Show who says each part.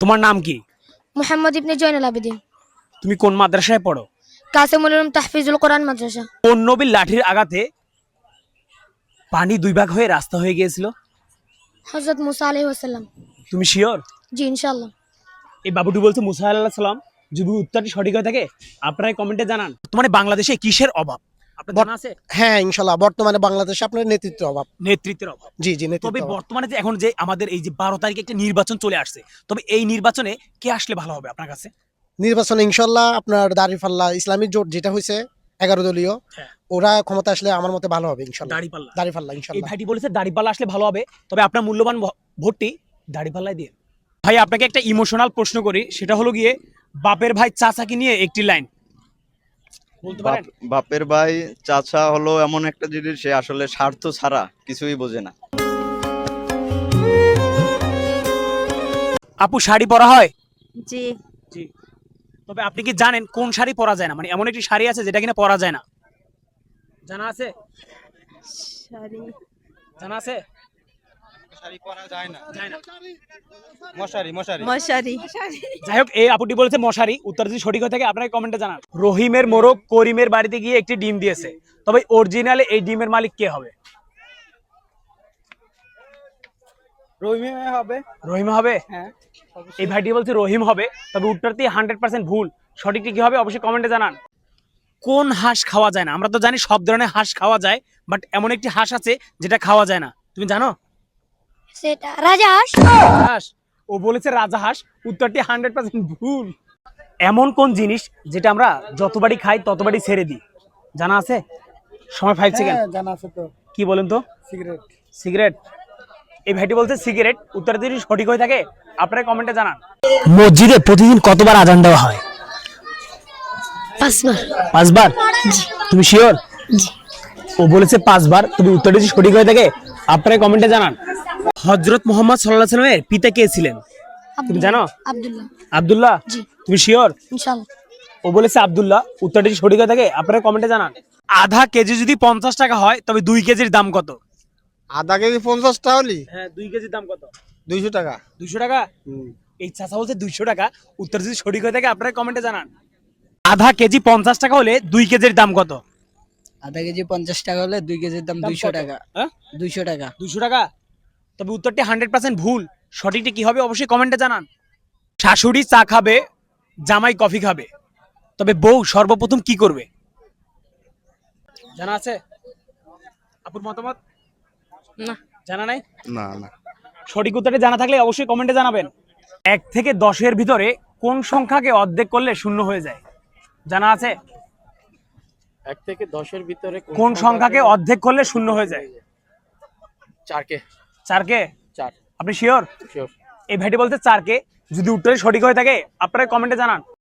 Speaker 1: তোমার নাম কি?
Speaker 2: মোহাম্মদ ইবনে জয়নুল আবেদিন।
Speaker 1: তুমি কোন মাদ্রাসায় পড়ো?
Speaker 2: কাসিমুল উলুম তাহফিজুল কোরআন মাদ্রাসা।
Speaker 1: কোন নবীর লাঠির আঘাতে পানি দুই ভাগ হয়ে রাস্তা হয়ে গিয়েছিল?
Speaker 2: হযরত মুসা আলাইহিস সালাম।
Speaker 1: তুমি শিওর?
Speaker 2: জি ইনশাআল্লাহ।
Speaker 1: এই বাবুটি বলছে মুসা আলাইহিস সালাম। যদি উত্তরটি সঠিক হয়ে থাকে আপনারা কমেন্টে জানান। বর্তমানে বাংলাদেশে কিসের অভাব আপনার জানা আছে?
Speaker 3: হ্যাঁ ইনশাল্লাহ, বর্তমানে বাংলাদেশে আপনার নেতৃত্বের অভাব।
Speaker 1: নেতৃত্বের অভাব।
Speaker 3: জি জি,
Speaker 1: তবে
Speaker 3: নেতৃত্বের অভাব।
Speaker 1: বর্তমানে যে এখন যে আমাদের এই যে 12 তারিখে একটা নির্বাচন চলে আসছে, তবে এই নির্বাচনে কে আসলে ভালো হবে আপনার কাছে?
Speaker 3: নির্বাচনে ইনশাল্লাহ আপনার দাঁড়িপাল্লা ইসলামী জোট যেটা হয়েছে 11 দলীয়,
Speaker 1: হ্যাঁ।
Speaker 3: ওরা ক্ষমতা আসলে আমার মতে ভালো হবে ইনশাল্লাহ।
Speaker 1: দাড়িপাল্লা।
Speaker 3: দাঁড়িপাল্লা
Speaker 1: এই
Speaker 3: ইনশাল্লাহ।
Speaker 1: ভাইটি বলেছে দাড়িপাল্লা আসলে ভালো হবে, তবে আপনার মূল্যবান ভোটটি দাড়িপাল্লায় দিয়ে। ভাই আপনাকে একটা ইমোশনাল প্রশ্ন করি, সেটা হলো গিয়ে বাপের ভাই চাচাকে নিয়ে একটি লাইন বলতে পারেন?
Speaker 4: বাপের ভাই চাচা হলো এমন একটা জিনিস, সে আসলে স্বার্থ ছাড়া কিছুই বোঝে না।
Speaker 1: আপু শাড়ি পরা হয়?
Speaker 5: জি।
Speaker 1: জি। তবে আপনি কি জানেন কোন শাড়ি পরা যায় না? মানে এমন একটি শাড়ি আছে যেটা কিনা পরা যায় না, জানা আছে?
Speaker 5: শাড়ি
Speaker 1: জানা আছে?
Speaker 6: শাড়ি পরা যায় না।
Speaker 1: যায় না।
Speaker 6: মশারি মশারি
Speaker 5: মশারি।
Speaker 1: যাই হোক, এই আপুটি বলেছে মশারি। উত্তর যদি সঠিক হয়ে থাকে আপনারা কমেন্টে জানান। রহিমের মোরগ করিমের বাড়িতে গিয়ে একটি ডিম দিয়েছে, তবে অরিজিনালে এই ডিমের মালিক কে হবে?
Speaker 6: রহিমে হবে।
Speaker 1: রহিম হবে?
Speaker 6: হ্যাঁ।
Speaker 1: এই ভাইটি বলছে রহিম হবে, তবে উত্তরটি 100% ভুল। সঠিকটি কি হবে অবশ্যই কমেন্টে জানান। কোন হাঁস খাওয়া যায় না? আমরা তো জানি সব ধরনের হাঁস খাওয়া যায়, বাট এমন একটি হাঁস আছে যেটা খাওয়া যায় না, তুমি জানো?
Speaker 2: সেটা রাজহাঁস।
Speaker 1: হাঁস। ও বলেছে রাজাহাঁস। উত্তরটি 100% ভুল। এমন কোন জিনিস যেটা আমরা যতবারই খাই ততবারই ছেড়ে দিই, জানা আছে? সময় 5 সেকেন্ড।
Speaker 3: জানা আছে তো।
Speaker 1: কি বলেন তো?
Speaker 3: সিগারেট।
Speaker 1: সিগারেট। এই ভাইটি বলছে সিগারেট। উত্তর যদি সঠিক হয়ে থাকে আপনারা কমেন্টে জানান। মসজিদে প্রতিদিন কতবার আজান দেওয়া হয়?
Speaker 2: 5 বার।
Speaker 1: 5 বার? তুমি শিওর?
Speaker 2: জি।
Speaker 1: ও বলেছে 5 বার, তবে উত্তরটি যদি সঠিক হয়ে থাকে আপনারা কমেন্টে জানান। হযরত মুহাম্মদ সাল্লাল্লাহু আলাইহি সাল্লামের পিতা কে ছিলেন? তুমি জানো?
Speaker 2: আব্দুল্লাহ।
Speaker 1: আব্দুল্লাহ।
Speaker 2: জি।
Speaker 1: তুমি শিওর?
Speaker 2: ইনশাআল্লাহ।
Speaker 1: ও বলেছে আব্দুল্লাহ। উত্তরটি যদি সঠিক হয়ে থাকে আপনারা কমেন্টে জানান। আধা কেজি যদি 50 টাকা হয় তবে 2 কেজির দাম কত?
Speaker 3: আধা কেজি 50 টাকা হলি
Speaker 1: হ্যাঁ, 2 কেজির দাম কত?
Speaker 3: 200 টাকা।
Speaker 1: 200 টাকা? এই চাচা বলছে 200 টাকা। উত্তর যদি সঠিক হয়ে থাকে আপনারা কমেন্টে জানান। আধা কেজি 50 টাকা হলে 2 কেজির দাম কত?
Speaker 7: আধা কেজি 50 টাকা হলে 2 কেজির দাম 200
Speaker 1: কত?
Speaker 7: টাকা।
Speaker 1: হ্যাঁ?
Speaker 7: 200 টাকা।
Speaker 1: 200 টাকা? তবে উত্তরটি 100% ভুল। সঠিকটি কি হবে অবশ্যই কমেন্টে জানান। শাশুড়ি চা খাবে, জামাই কফি খাবে, তবে বউ সর্বপ্রথম কি করবে? জানা আছে? আপুর মতামত?
Speaker 5: না।
Speaker 1: জানা নাই?
Speaker 4: না না।
Speaker 1: সঠিক উত্তরটি জানা থাকলে অবশ্যই কমেন্টে জানাবেন। 1 থেকে 10-এর ভিতরে কোন সংখ্যাকে অর্ধেক করলে শূন্য হয়ে যায়? জানা আছে?
Speaker 6: 1 থেকে 10 এর ভিতরে
Speaker 1: কোন সংখ্যাকে অর্ধেক করলে শূন্য হয়ে যায়?
Speaker 6: 4 কে
Speaker 1: 4 কে?
Speaker 6: 4
Speaker 1: আপনি শিওর?
Speaker 6: শিওর।
Speaker 1: এই ভাইটি বলতে 4 কে। যদি উত্তরে সঠিক হয়ে থাকে আপনারা কমেন্টে জানান।